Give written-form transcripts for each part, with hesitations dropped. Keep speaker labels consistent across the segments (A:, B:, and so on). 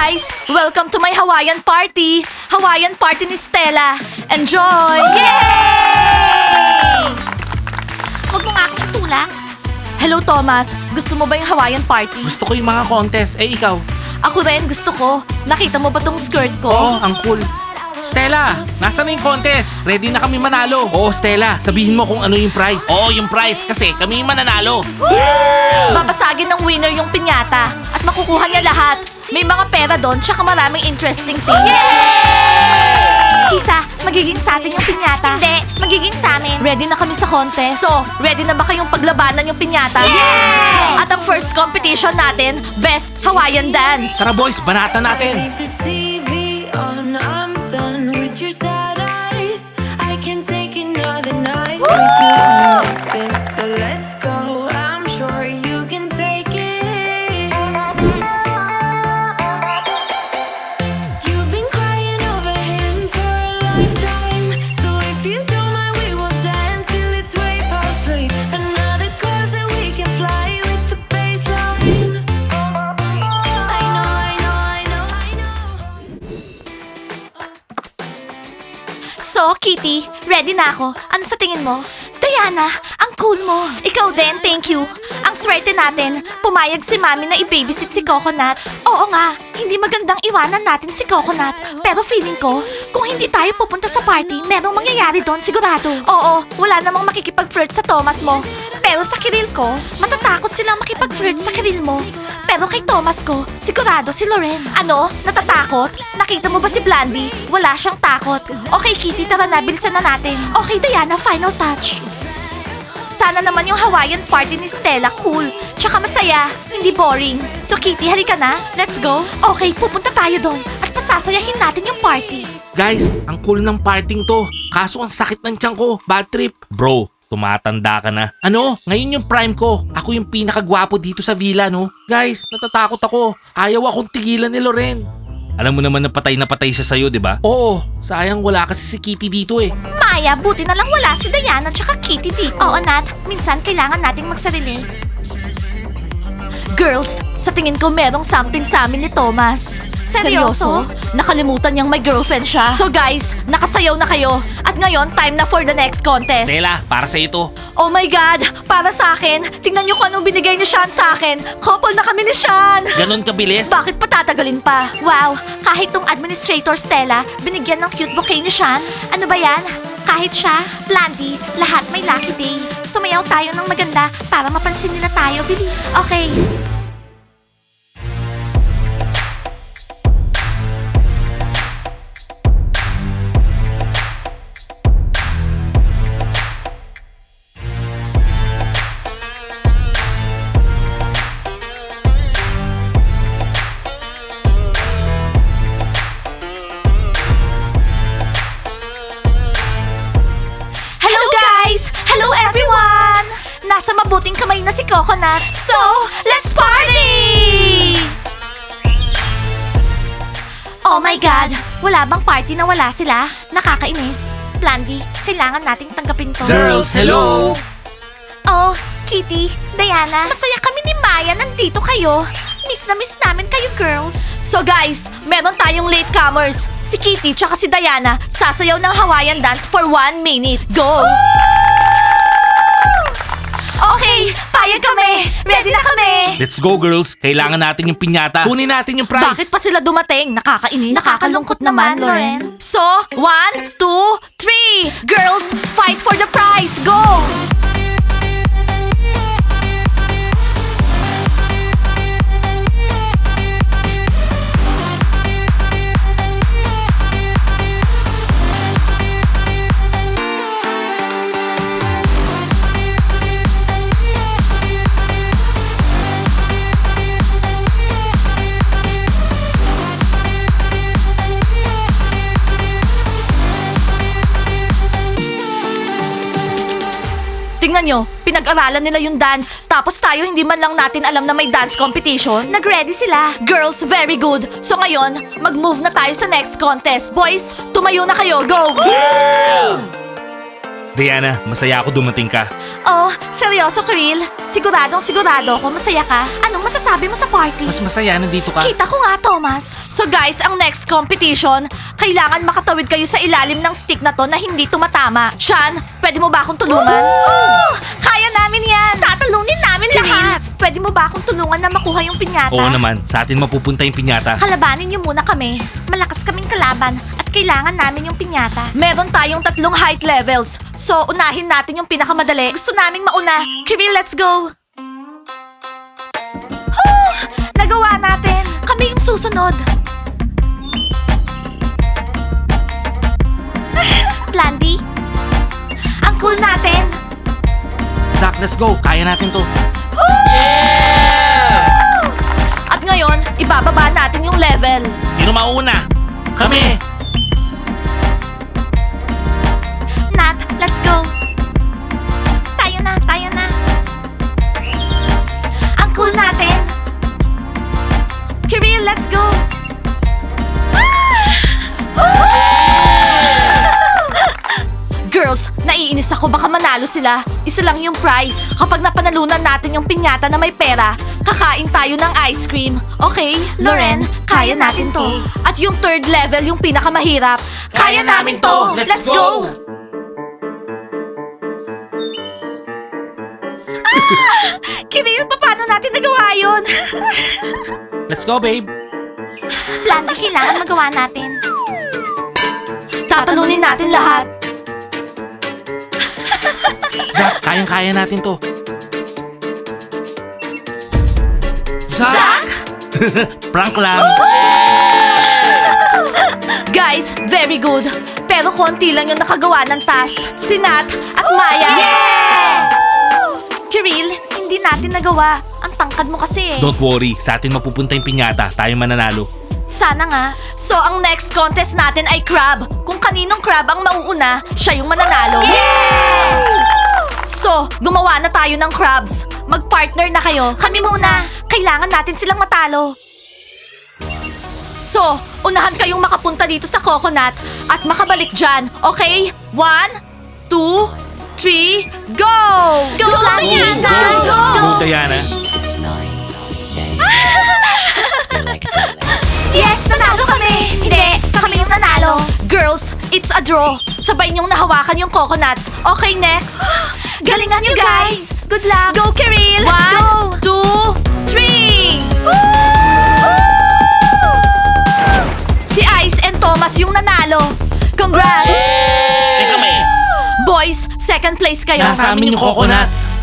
A: guys! Welcome to my Hawaiian party! Hawaiian party ni Stella! Enjoy! Yay! Huwag mo nga akong itulak. Hello, Thomas. Gusto mo ba yung Hawaiian party?
B: Gusto ko yung mga contest. Eh, ikaw?
A: Ako rin, gusto ko. Nakita mo ba tong skirt ko?
B: Oo, ang cool. Stella, nasa na yung contest? Ready na kami manalo. Oo, Stella, sabihin mo kung ano yung prize. Oo, yung prize kasi kami yung mananalo.
A: Babasagin ng winner yung pinyata at makukuha niya lahat. May mga pera doon tsaka maraming interesting things. Kisa, magiging sa atin yung pinyata. Hindi, magiging sa amin. Ready na kami sa contest. So, ready na ba kayong paglabanan yung pinyata? Yes! At ang first competition natin, Best Hawaiian Dance.
B: Tara boys, banatan natin.
C: Leave the TV on, I'm done with your sad eyes. I can take another night with you like this. So let's go, I'm sure you can take it. You've been crying over him for a lifetime. So if you don't mind, we will dance till it's way past late. Another course that we can fly with the baseline. I know.
A: So, Kitty, ready na ako. Ano sa tingin mo? Diana, ang cool mo. Ikaw din, thank you. Ang swerte natin, pumayag si Mami na i-babysit si Coconut. Oo nga, hindi magandang iwanan natin si Coconut. Pero feeling ko, kung hindi tayo pupunta sa party, merong mangyayari doon sigurado. Oo, wala namang makikipag-flirt sa Thomas mo. Pero sa Kiril ko, matatakot silang makipag-flirt sa Kiril mo. Pero kay Thomas ko, sigurado si Loren. Ano? Natatakot? Nakita mo ba si Blandy? Wala siyang takot. Okay, Kitty, tara na, bilisan na natin. Okay, Diana, final touch. Sana naman yung Hawaiian party ni Stella cool. Tsaka masaya, hindi boring. So Kitty, halika na. Let's go. Okay, pupunta tayo doon at pasasayahin natin yung party.
B: Guys, ang cool ng parting to. Kaso ang sakit ng tiyan ko. Bad trip. Bro, tumatanda ka na. Ano? Ngayon yung prime ko. Ako yung pinakagwapo dito sa villa, no? Guys, natatakot ako. Ayaw akong tigilan ni Loren. Alam mo naman na patay siya sa'yo, di ba? Oo, sayang wala kasi si Kitty dito eh.
A: Maya, buti na lang wala si Diana tsaka Kitty dito. Oo, Nat. Minsan kailangan nating magsarili. Girls, sa tingin ko merong something sa amin ni Thomas. Seryoso? Nakalimutan niyang may girlfriend siya. So guys, nakasayaw na kayo. At ngayon, time na for the next contest.
B: Stella, para sa'yo to.
A: Oh my God! Para sa akin, tingnan niyo kung anong binigay ni Sean sa akin. Couple na kami ni Sean!
B: Ganon kabilis?
A: Bakit pa tatagalin pa? Wow, kahit tong administrator Stella, binigyan ng cute bouquet ni Sean. Ano ba yan? Kahit siya, Blandy, lahat may lucky day. Sumayaw tayo ng maganda para mapansin nila tayo, bilis. Okay. Hello guys! Hello everyone! Nasa mabuting kamay na si Coconut. So, let's party! Oh my God! Wala bang party na wala sila? Nakakainis. Blandy, kailangan nating tanggapin to.
B: Girls, hello!
A: Oh, Kitty, Diana, masaya kami ni Maya. Nandito kayo. Miss na miss namin kayo, girls. So guys, meron tayong latecomers. Si Kitty tsaka si Diana sasayaw ng Hawaiian dance for 1 minute. Go! Okay, payag kami. Ready na kami.
B: Let's go girls, kailangan natin yung pinyata. Kunin natin yung prize.
A: Bakit pa sila dumating? Nakakainis. Nakakalungkot naman, Loren. So, 1, 2, 3. Girls, fight for the prize. Go! Tingnan nyo, pinag-aralan nila yung dance. Tapos tayo hindi man lang natin alam na may dance competition. Nag-ready sila. Girls, very good. So ngayon, mag-move na tayo sa next contest. Boys, tumayo na kayo. Go!
B: Diana, masaya ako dumating ka.
A: Oh, seryoso, Kiril? Siguradong sigurado ko masaya ka. Anong masasabi mo sa party?
B: Mas masaya nandito ka.
A: Kita ko nga, Thomas. So guys, ang next competition, kailangan makatawid kayo sa ilalim ng stick na to na hindi tumatama. Sean, pwede mo ba akong tulungan? Kaya namin yan! Tatalunin namin lahat! Pwede mo ba akong tulungan na makuha yung pinyata?
B: Oo naman, sa atin mapupunta yung pinyata.
A: Kalabanin niyo muna kami. Malakas kaming kalaban at kailangan namin yung pinyata. Meron tayong 3 height levels. So, unahin natin yung pinakamadali. Gusto naming mauna. Kiril, let's go! Huh! Nagawa natin! Kami yung susunod. Blandy? Ang cool natin!
B: Zach, let's go. Kaya natin to.
A: At ngayon, ibababa natin yung level.
B: Sino mauna? Kami!
A: Nat, let's go. Tayo na, tayo na. Ang cool natin. Kiril, let's go. Girls, naiinis ako baka manalo sila. Isa lang yung prize. Kapag napanalunan natin yung pinyata na may pera, kakain tayo ng ice cream. Okay, Loren, kaya natin to. At yung 3rd level, yung pinakamahirap. Kaya namin to! Let's go! Kiril, paano natin nagawa yun?
B: Let's go, babe.
A: Blandy, kailangan magawa natin. Tatalunin natin lahat.
B: Zach, kayang-kaya natin to.
A: Zach!
B: Prank lang.
A: Guys, very good. Pero konti lang yung nakagawa ng task. Si Nat at Maya. Kiril, hindi natin nagawa. Ang tangkad mo kasi eh.
B: Don't worry, sa atin mapupunta yung pinyata. Tayo mananalo.
A: Sana nga. So, ang next contest natin ay crab. Kung kaninong crab ang mauuna, siya yung mananalo. So, gumawa na tayo ng crabs. Mag-partner na kayo. Kami muna. Kailangan natin silang matalo. So, unahan kayong makapunta dito sa coconut at makabalik dyan. Okay? 1, 2, 3, go! Go, Diana!
B: Go, Diana.
A: Yes, nanalo kami! Hindi, kami yung nanalo. Girls, it's a draw. Sabay niyong nahawakan yung coconuts. Okay, next. Galingan niyo, guys! Good luck! Go, Kiril! 1, 2, 3! Si Ice and Thomas yung nanalo. Congrats!
B: Eh kami!
A: Boys, second place kayo.
B: Nasa amin yung coconut.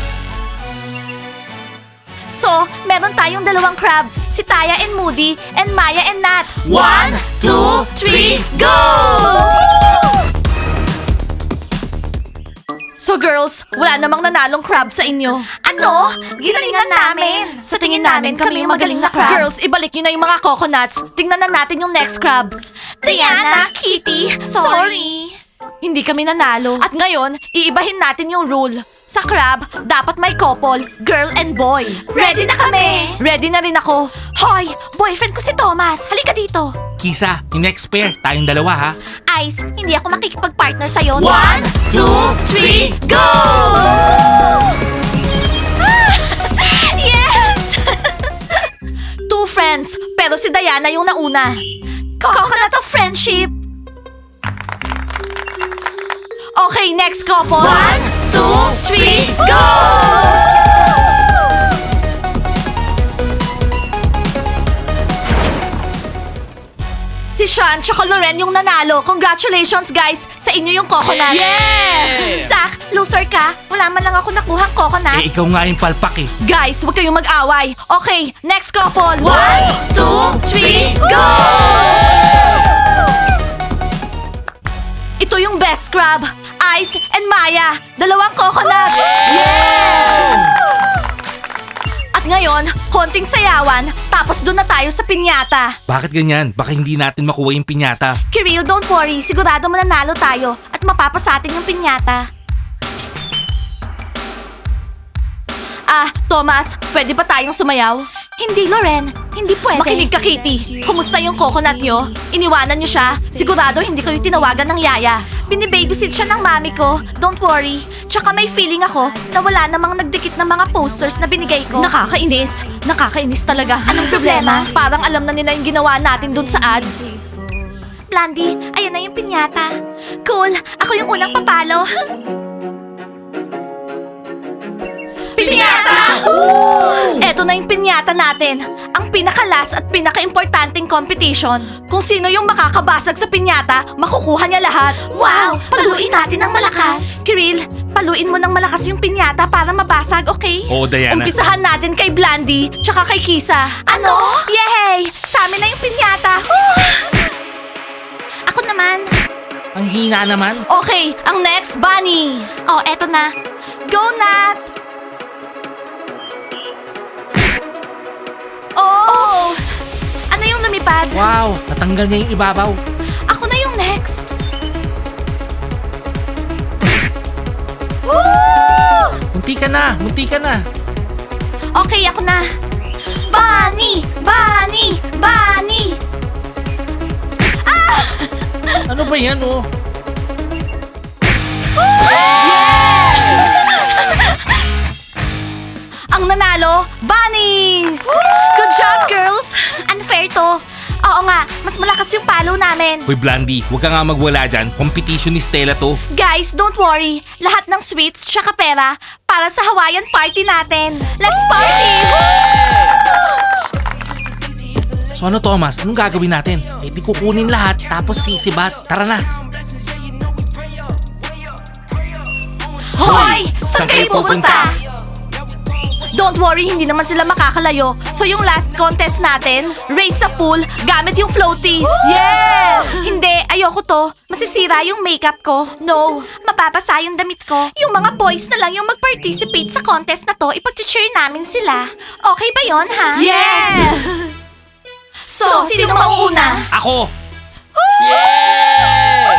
A: So, meron tayong 2 crabs. Si Taya and Moody, and Maya and Nat.
B: 1, 2, 3,
A: go! So girls, wala namang nanalong crab sa inyo. Ano? Ginalingan namin. Sa tingin namin, kami yung magaling na crab. Girls, ibalik nyo na yung mga coconuts. Tingnan na natin yung next crabs. Diana, Kitty, sorry. Hindi kami nanalo. At ngayon, iibahin natin yung rule. Sa crab, dapat may couple, girl and boy. Ready na kami! Ready na rin ako. Hoy, boyfriend ko si Thomas. Halika dito.
B: Kisa, yung next pair, tayong dalawa ha.
A: Ice, hindi ako makikipag-partner sa'yo.
B: 1, 2, 3,
A: go! Yes! 2 friends, pero si Diana yung nauna. Coconut of friendship. Okay, next couple. 1, 2, 3, go! Si Sean tsaka Loren yung nanalo. Congratulations, guys! Sa inyo yung coconut.
B: Yeah!
A: Zach, loser ka. Wala man lang ako nakuhang coconut.
B: Eh, ikaw nga yung palpak eh.
A: Guys, huwag kayong mag-away. Okay, next couple. 1, 2, 3, go! Ito yung best crab. Ice and Maya. 2 coconuts. Yeah! At ngayon, konting sayawan, tapos doon na tayo sa pinyata.
B: Bakit ganyan? Baka hindi natin makuha yung pinyata.
A: Kiril, don't worry. Sigurado mananalo tayo at mapapasa atin yung pinyata. Thomas, pwede ba tayong sumayaw? Hindi, Loren. Hindi pwede. Makinig ka, Kitty. Kumusta yung coconut nyo? Iniwanan nyo siya? Sigurado hindi kayo tinawagan ng yaya. Binibabysit siya ng mami ko. Don't worry. Tsaka may feeling ako na wala namang nagdikit ng mga posters na binigay ko. Nakakainis. Nakakainis talaga. Anong problema? Parang alam na nila yung ginawa natin dun sa ads. Blandy, ayan na yung pinyata. Cool. Ako yung unang papalo. Pinyata! Eto na yung pinyata natin. Ang pinakalas at pinaka-importanting competition. Kung sino yung makakabasag sa pinyata, makukuha niya lahat. Wow! Paluin natin ng malakas. Kiril, paluin mo ng malakas yung pinyata para mabasag, okay?
B: Oo, Diana.
A: Umpisahan natin kay Blandy, tsaka kay Kisa. Ano? Yay! Sa amin na yung pinyata. Ako naman.
B: Ang hina naman.
A: Okay, ang next, Bunny. Oh, eto na. Go, Nat! Oh! Ano yung lumipad?
B: Wow, natanggal niya yung ibabaw.
A: Ako na yung next. Woo!
B: Munti ka na, munti ka na.
A: Okay, ako na. Bunny! Bunny! Bunny!
B: Ano ba yan, oh?
A: Ang nanalo, bunnies! Good job, girls! Unfair to. Oo nga, mas malakas yung palo namin.
B: Hoy, Blandy, huwag ka nga magwala dyan. Competition ni Stella to.
A: Guys, don't worry. Lahat ng sweets tsaka pera para sa Hawaiian party natin. Let's party!
B: So ano, Thomas? Anong gagawin natin? Eh, di kukunin lahat, tapos sisibat. Tara na.
A: Hoy! Saan kayo pupunta? Don't worry, hindi naman sila makakalayo. So yung last contest natin, race sa pool gamit yung floaties. Yeah! Hindi, ayoko to. Masisira yung makeup ko. No, mapapasa yung damit ko. Yung mga boys na lang yung mag-participate sa contest na to, ipag-cheer namin sila. Okay ba yon, ha? Yes! So, sino mauuna?
B: Ako! Yeah!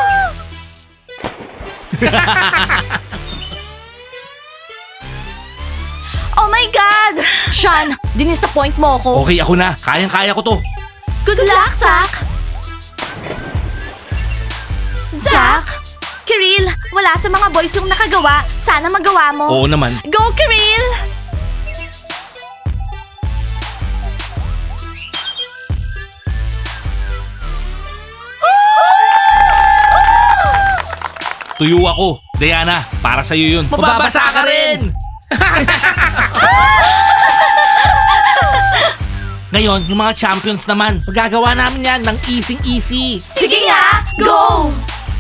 A: Oh my God! Sean, dinisappoint mo ako.
B: Okay, ako na. Kayang-kaya ko to.
A: Good luck, Zach! Zach? Kiril, wala sa mga boys yung nakagawa. Sana magawa mo.
B: Oo naman.
A: Go, Kiril!
B: Tuyo ako. Diana, para sa'yo yun. Mababasa ka rin! Ngayon, yung mga champions naman, magagawa namin yan ng easy-easy.
A: Sige nga, go!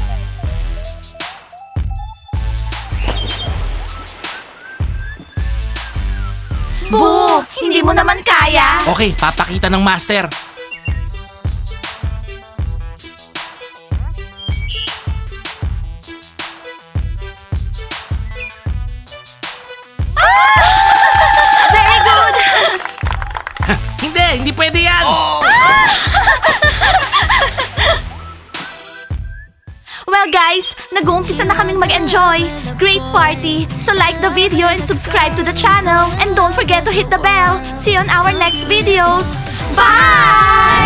A: Boo! Hindi mo naman kaya.
B: Okay, papakita ng master.
A: Very good!
B: Hindi pwede yan!
A: Well guys, nag-uumpisa na kaming mag-enjoy. Great party! So like the video and subscribe to the channel. And don't forget to hit the bell. See you on our next videos. Bye!